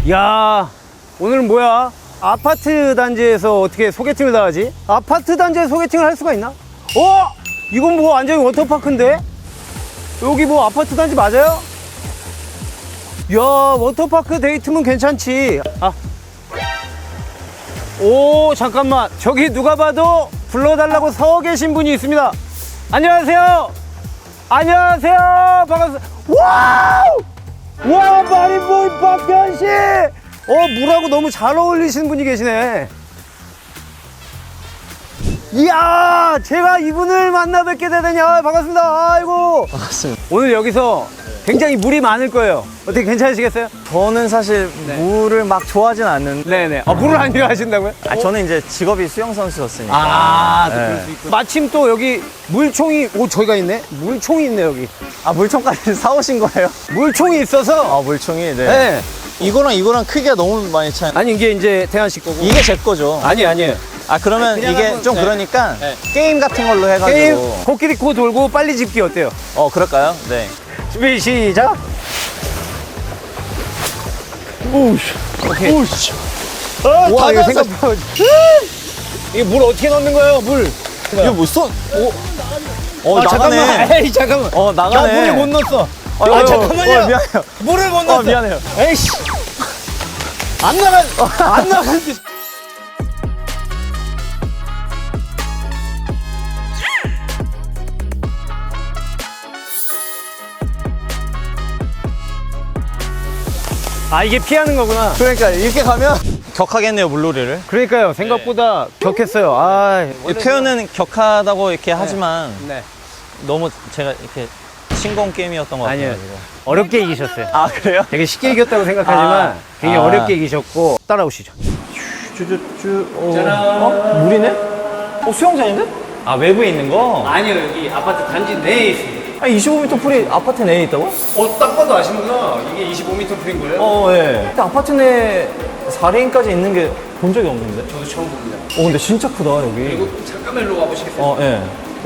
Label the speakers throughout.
Speaker 1: 야, 오늘은 뭐야? 아파트 단지에서 어떻게 소개팅을 다 하지? 아파트 단지에 소개팅을 할 수가 있나? 이건 뭐 완전히 워터파크인데? 여기 뭐 아파트 단지 맞아요? 야, 워터파크 데이트면 괜찮지. 오, 잠깐만. 저기 누가 봐도 불러달라고 서 계신 분이 있습니다. 안녕하세요. 안녕하세요. 반갑습니다. 와우! 와, 마린보이 박현 씨! 물하고 너무 잘 어울리시는 분이 계시네. 이야, 제가 이분을 만나 뵙게 되다니. 반갑습니다. 아이고.
Speaker 2: 반갑습니다.
Speaker 1: 오늘 여기서 굉장히 물이 많을 거예요. 어떻게 괜찮으시겠어요?
Speaker 2: 저는 사실 물을 막 좋아하진 않는데.
Speaker 1: 네네. 물을 안 좋아하신다고요?
Speaker 2: 저는 이제 직업이 수영선수였으니까.
Speaker 1: 또 그럴 수 있고. 마침 또 여기 물총이, 저희가 있네? 물총이 있네, 여기.
Speaker 2: 물총까지 사오신 거예요?
Speaker 1: 물총이 있어서.
Speaker 2: 물총이, 네.
Speaker 1: 네.
Speaker 2: 이거랑 크기가 너무 많이 차이.
Speaker 1: 아니, 이게 이제 태환 씨 거고.
Speaker 2: 이게 제 거죠.
Speaker 1: 아니에요.
Speaker 2: 그러면
Speaker 1: 그냥
Speaker 2: 이게
Speaker 1: 한번,
Speaker 2: 좀
Speaker 1: 네.
Speaker 2: 그러니까
Speaker 1: 네.
Speaker 2: 게임 같은 걸로 해가지고.
Speaker 1: 게임, 코끼리 코 돌고 빨리 집기 어때요?
Speaker 2: 그럴까요? 네.
Speaker 1: 준비, 시작. 오케이.
Speaker 2: 오우씨.
Speaker 1: 와, 이거 생각보다. 이게 물 어떻게 넣는 거예요, 물?
Speaker 2: 이거 뭐 쏜? 나가네.
Speaker 1: 잠깐만. 에이, 잠깐만.
Speaker 2: 나가네.
Speaker 1: 나 물을 못 넣었어. 잠깐만요.
Speaker 2: 미안해요.
Speaker 1: 물을 못 넣었어.
Speaker 2: 미안해요.
Speaker 1: 에이씨. 안 나간. 이게 피하는 거구나.
Speaker 2: 그러니까 이렇게 가면 격하겠네요, 물놀이를.
Speaker 1: 그러니까요. 생각보다 격했어요.
Speaker 2: 이 표현은 격하다고 이렇게 하지만
Speaker 1: 네.
Speaker 2: 너무 제가 이렇게 싱거운 게임이었던 것 같아요.
Speaker 1: 아니요. 어렵게 이기셨어요.
Speaker 2: 그래요?
Speaker 1: 되게 쉽게 이겼다고 생각하지만 굉장히 어렵게 이기셨고. 따라오시죠.
Speaker 2: 물이네? 수영장인데? 외부에 있는 거?
Speaker 1: 아니요. 여기 아파트 단지 내에 있습니다.
Speaker 2: 25m 풀이 아파트 내에 있다고?
Speaker 1: 딱 봐도 아시는구나. 이게 25m 풀인 거예요?
Speaker 2: 예. 근데 아파트 내 4레인까지 있는 게 본 적이 없는데?
Speaker 1: 저도 처음 봅니다.
Speaker 2: 근데 진짜 크다, 여기.
Speaker 1: 그리고 잠깐만 일로 와보시겠어요?
Speaker 2: 예.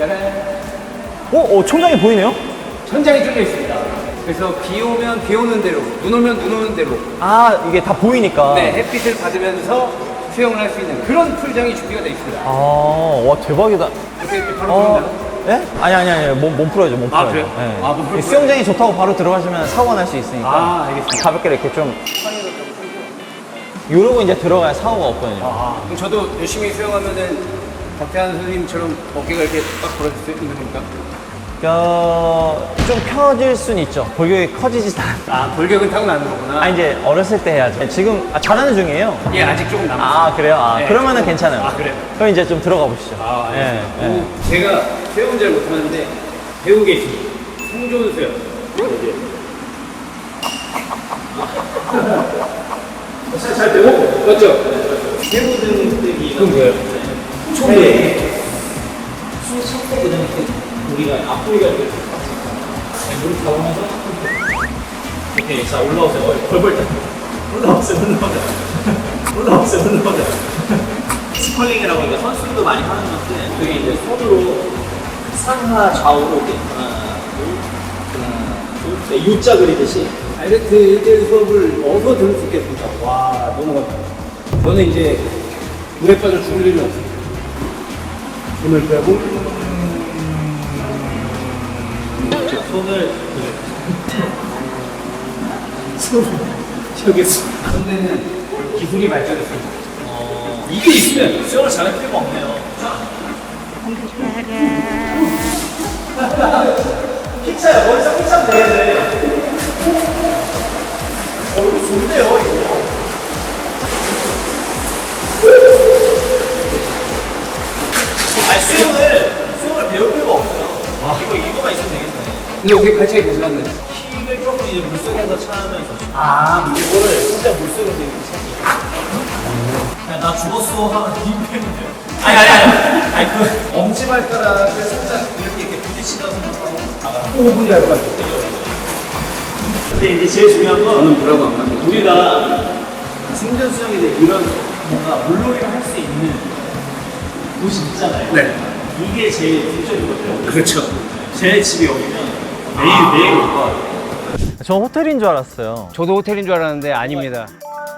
Speaker 1: 짜란.
Speaker 2: 천장이 보이네요?
Speaker 1: 천장이 뚫려 있습니다. 그래서 비 오면 비 오는 대로, 눈 오면 눈 오는 대로.
Speaker 2: 이게 다 보이니까.
Speaker 1: 네, 햇빛을 받으면서 수영을 할 수 있는 그런 풀장이 준비가 되어 있습니다.
Speaker 2: 와, 대박이다.
Speaker 1: 이렇게 바로 보입니다.
Speaker 2: 예? 아니. 몸 풀어야죠, 몸 풀어야죠.
Speaker 1: 그래요?
Speaker 2: 예.
Speaker 1: 몸 풀어요?
Speaker 2: 수영장이 좋다고 바로 들어가시면 사고가 날 수 있으니까.
Speaker 1: 알겠습니다.
Speaker 2: 가볍게 이렇게 좀. 이러고 이제 들어가야 사고가 없거든요.
Speaker 1: 그럼 저도 열심히 수영하면은 박태환 선생님처럼 어깨가 이렇게 딱 벌어질 수 있는 겁니까?
Speaker 2: 좀 펴질 순 있죠. 골격이 커지지 않아.
Speaker 1: 골격은 타고나는 거구나.
Speaker 2: 이제 어렸을 때 해야죠. 지금 잘하는 중이에요.
Speaker 1: 예, 아직 조금 남았어요.
Speaker 2: 그래요?
Speaker 1: 네,
Speaker 2: 그러면은
Speaker 1: 조금.
Speaker 2: 괜찮아요.
Speaker 1: 그래요?
Speaker 2: 그럼 이제 좀 들어가 보시죠.
Speaker 1: 알겠습니다.
Speaker 2: 예.
Speaker 1: 제가 수영은 잘 못하는데 배우고 계십니다. 생존 수영. 잘 배워? 맞죠? 세부등뜨기. 그건 뭐예요? 처음에 숨 참고 그다음에 우리가 앞구리가 이렇게 물을 잡으면서 이렇게 자 올라오세요. 벌벌 때 올라오세요. 스컬링이라고 하니까 선수들도 많이 하는 건데 그게 이제 손으로 상하 좌우로 이렇게 하나 둘 U자 그리듯이 다이렉트 1대1 수업을 어디서 들을 수 있겠습니까? 와, 너무 감사합니다. 저는 이제 물에 빠져 죽을 일은 없습니다. 손을 빼고 손을 저기 손대는 기술이 발전했습니다. 이게 있으면 수영을 잘할 필요가 없네요. 픽차야, 머리서 픽차면 되겠네. 이거 좋은데요, 이거. 수영을 배울 필요가 없어요. 이거만 있으면 되겠네. 근데 여기 발차기 보시면 힘을 조금 이제 물속에서 차면서. 이거를 진짜 물속에서 이렇게 차기. 나 죽었어 하면 힘빼면 돼요. 아니, 엄지발가락을 살짝 이렇게 부딪히다 생각하고 나가. 5분이 할 것 같아요. 근데 이제 제일 중요한 건 저는 뭐라고 안 합니다. 우리가 생존 수영이 돼 이런 뭔가 물놀이를 할 수 있는 곳이 있잖아요. 네. 이게 제일 중점이거든요. 그렇죠. 제 집이 여기면 매일 올 것 같아요.
Speaker 2: 저 호텔인 줄 알았어요.
Speaker 1: 저도 호텔인 줄 알았는데 아닙니다.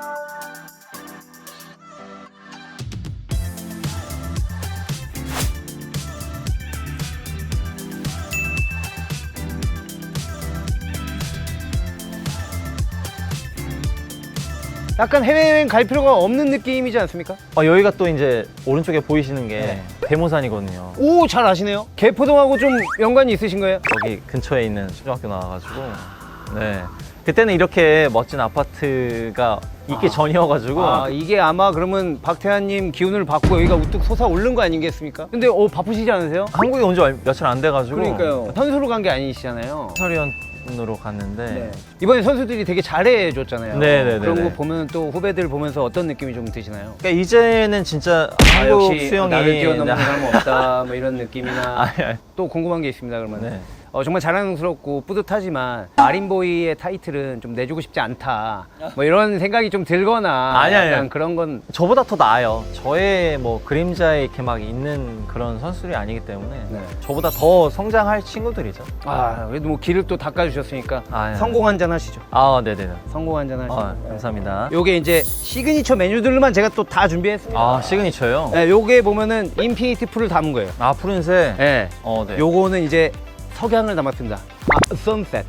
Speaker 3: 약간 해외여행 갈 필요가 없는 느낌이지 않습니까?
Speaker 2: 여기가 또 이제 오른쪽에 보이시는 게
Speaker 3: 네.
Speaker 2: 대모산이거든요.
Speaker 3: 오, 잘 아시네요. 개포동하고 좀 연관이 있으신 거예요?
Speaker 2: 여기 근처에 있는 초등학교 나와가지고 네 그때는 이렇게 멋진 아파트가 있기 전이어가지고
Speaker 3: 이게 아마 그러면 박태환님 기운을 받고 여기가 우뚝 솟아오른 거 아니겠습니까? 근데 바쁘시지 않으세요?
Speaker 2: 한국에 온 지 며칠 안 돼가지고
Speaker 3: 그러니까요. 선수로 간 게 아니시잖아요.
Speaker 2: 해설위원으로 갔는데
Speaker 3: 네. 이번에 선수들이 되게 잘해줬잖아요.
Speaker 2: 네네네네.
Speaker 3: 그런 거 보면 또 후배들 보면서 어떤 느낌이 좀 드시나요?
Speaker 2: 그러니까 이제는 진짜 한국
Speaker 3: 역시
Speaker 2: 수영이
Speaker 3: 나를 뛰어넘는 사람은 없다 뭐 이런 느낌이나
Speaker 2: 아니.
Speaker 3: 또 궁금한 게 있습니다. 그러면
Speaker 2: 네.
Speaker 3: 정말 자랑스럽고 뿌듯하지만 마린보이의 타이틀은 좀 내주고 싶지 않다 뭐 이런 생각이 좀 들거나
Speaker 2: 아니.
Speaker 3: 약간 그런 건
Speaker 2: 저보다 더 나아요. 저의 뭐 그림자에 이렇게 막 있는 그런 선수들이 아니기 때문에
Speaker 3: 네.
Speaker 2: 저보다 더 성장할 친구들이죠.
Speaker 3: 그래도 뭐 길을 또 닦아주셨으니까
Speaker 2: 네.
Speaker 3: 성공 한잔 하시죠.
Speaker 2: 네네네.
Speaker 3: 성공 한잔 하시죠.
Speaker 2: 감사합니다.
Speaker 3: 요게 이제 시그니처 메뉴들만 제가 또 다 준비했습니다.
Speaker 2: 시그니처요?
Speaker 3: 네, 요게 보면은 인피니티 풀을 담은 거예요.
Speaker 2: 푸른색.
Speaker 3: 네.
Speaker 2: 네.
Speaker 3: 요거는 이제 석양을 담았습니다. 선셋.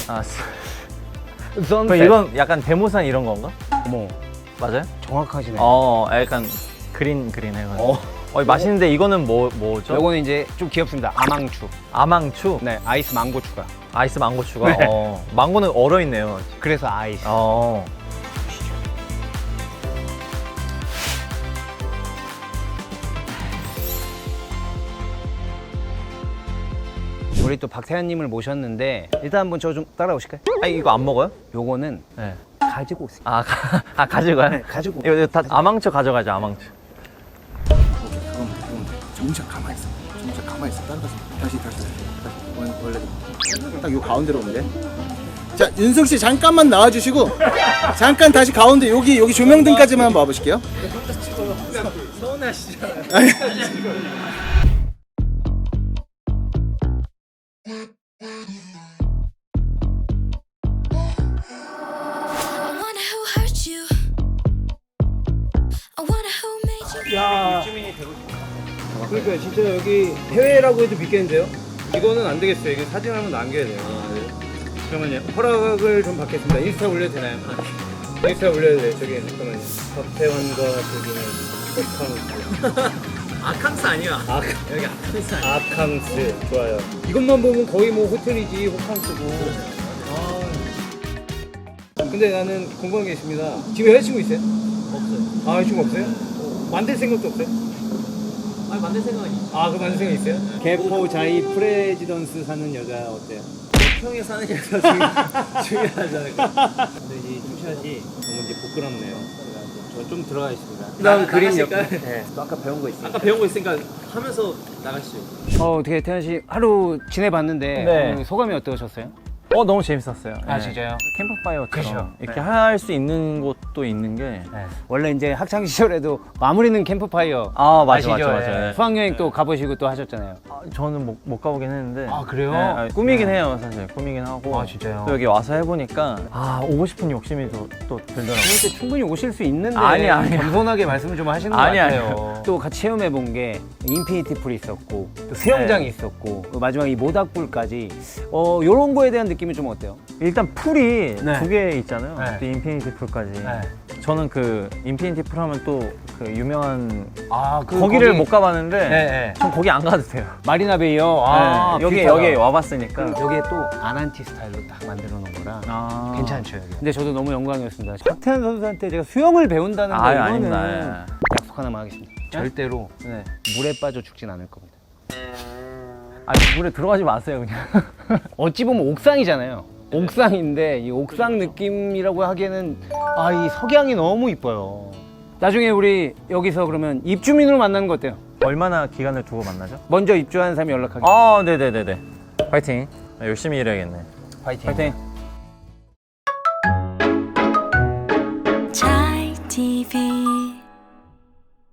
Speaker 2: 그럼
Speaker 3: 선셋.
Speaker 2: 이건 약간 대모산 이런 건가?
Speaker 3: 어머,
Speaker 2: 맞아요?
Speaker 3: 정확하시네.
Speaker 2: 약간 그린 해가지고. 맛있는데 이거는 뭐죠?
Speaker 3: 요거는 이제 좀 귀엽습니다. 아망추.
Speaker 2: 아망추?
Speaker 3: 네, 아이스 망고 추가.
Speaker 2: 아이스 망고 추가?
Speaker 3: 네.
Speaker 2: 망고는 얼어있네요.
Speaker 3: 그래서 아이스. 우리 또 박태환님을 모셨는데 일단 한번 저 좀 따라오실까요?
Speaker 2: 이거 안 먹어요?
Speaker 3: 요거는
Speaker 2: 네.
Speaker 3: 가지고 오세요.
Speaker 2: 가져가요?
Speaker 3: 네, 가지고.
Speaker 2: 이거 다 아망추 가져가죠, 아망추.
Speaker 4: 그럼 정작 가만히 있어. 정작 가만히 있어. 따라가서 다시. 원래 딱 요 가운데로 오면 돼. 자, 윤석 씨 잠깐만 나와주시고 잠깐 다시 가운데 여기 조명등까지만 한번 와보실게요.
Speaker 5: I wonder who hurt you. I wonder who made you.
Speaker 3: 야, 그러니까 진짜 여기 해외라고 해도 믿겠는데요? 이거는 안 되겠어요. 이거 사진 한번 남겨야 돼요. 잠깐만요. 허락을 좀 받겠습니다. 인스타 올려도 되나요? 인스타 올려도 돼요. 저기 잠깐만요. 박태환과 저기는 호캉스.
Speaker 2: 아캉스 아니야. 여기 아캉스 아니야.
Speaker 3: 아캉스 좋아요. 이것만 보면 거의 뭐 호텔이지 호캉스고. 근데 나는 궁금한 게 있습니다. 집에 여자친구 있어요?
Speaker 2: 없어요.
Speaker 3: 여자친구 없어요? 만들 생각도 없어요?
Speaker 2: 만들 생각은 있어.
Speaker 3: 그 만들 생각 있어요? 개포 자이 프레지던스 사는 여자 어때요?
Speaker 2: 평에 사는 여자 중요하지 않을까?
Speaker 3: 근데 이 투샷이 너무 이제 부끄럽네요. 저 좀 들어가 있습니다.
Speaker 2: 그다음 그림 옆에.
Speaker 3: 네. 또 아까 배운 거 있어요.
Speaker 2: 아까 배운 거 있으니까 하면서 나가시죠.
Speaker 3: 어떻게 태현 씨 하루 지내봤는데
Speaker 2: 네.
Speaker 3: 오늘 소감이 어떠셨어요?
Speaker 2: 너무 재밌었어요.
Speaker 3: 진짜요?
Speaker 2: 캠프파이어처럼
Speaker 3: 그죠.
Speaker 2: 이렇게
Speaker 3: 네.
Speaker 2: 할 수 있는 곳도 있는 게
Speaker 3: 원래 이제 학창 시절에도 마무리는 캠프파이어.
Speaker 2: 맞아.
Speaker 3: 아시죠?
Speaker 2: 네.
Speaker 3: 수학여행 또 가보시고 또 하셨잖아요.
Speaker 2: 저는 못 가보긴 했는데.
Speaker 3: 그래요?
Speaker 2: 네, 꿈이긴 해요, 사실. 꿈이긴 하고.
Speaker 3: 진짜요?
Speaker 2: 또 여기 와서 해보니까 오고 싶은 욕심이 또 들더라고요.
Speaker 3: 그럴 때 충분히 오실 수 있는데
Speaker 2: 아니.
Speaker 3: 겸손하게 말씀을 좀 하시는 것
Speaker 2: 아니,
Speaker 3: 같아요.
Speaker 2: 아니요.
Speaker 3: 또 같이 체험해 본 게 인피니티 풀이 있었고 또 수영장이
Speaker 2: 네.
Speaker 3: 있었고 또 마지막 이 모닥불까지 요런 거에 대한 느낌은 좀 어때요?
Speaker 2: 일단 풀이
Speaker 3: 네.
Speaker 2: 2개 있잖아요.
Speaker 3: 네.
Speaker 2: 또 인피니티 풀까지.
Speaker 3: 네.
Speaker 2: 저는 그 인피니티 풀 하면 또 그 유명한
Speaker 3: 그
Speaker 2: 거기를
Speaker 3: 거기-
Speaker 2: 못 가봤는데
Speaker 3: 네.
Speaker 2: 전 거기 안 가도 돼요.
Speaker 3: 마리나 베이요.
Speaker 2: 네. 여기
Speaker 3: 비슷하다.
Speaker 2: 와봤으니까.
Speaker 3: 여기에 또 아난티 스타일로 딱 만들어 놓은 거라 괜찮죠. 여기. 근데 저도 너무 영광이었습니다. 박태환 선수한테 제가 수영을 배운다는 거 이거는
Speaker 2: 아닙니다.
Speaker 3: 약속 하나만 하겠습니다. 절대로
Speaker 2: 네.
Speaker 3: 물에 빠져 죽진 않을 겁니다.
Speaker 2: 물에 들어가지 마세요, 그냥.
Speaker 3: 어찌 보면 옥상이잖아요. 옥상인데 이 옥상 느낌이라고 하기에는 이 석양이 너무 이뻐요. 나중에 우리 여기서 그러면 입주민으로 만나는 거 어때요?
Speaker 2: 얼마나 기간을 두고 만나죠?
Speaker 3: 먼저 입주한 사람이 연락하기.
Speaker 2: 네네네네. 파이팅. 열심히 일해야겠네.
Speaker 3: 파이팅.
Speaker 2: 파이팅.
Speaker 5: Chai TV.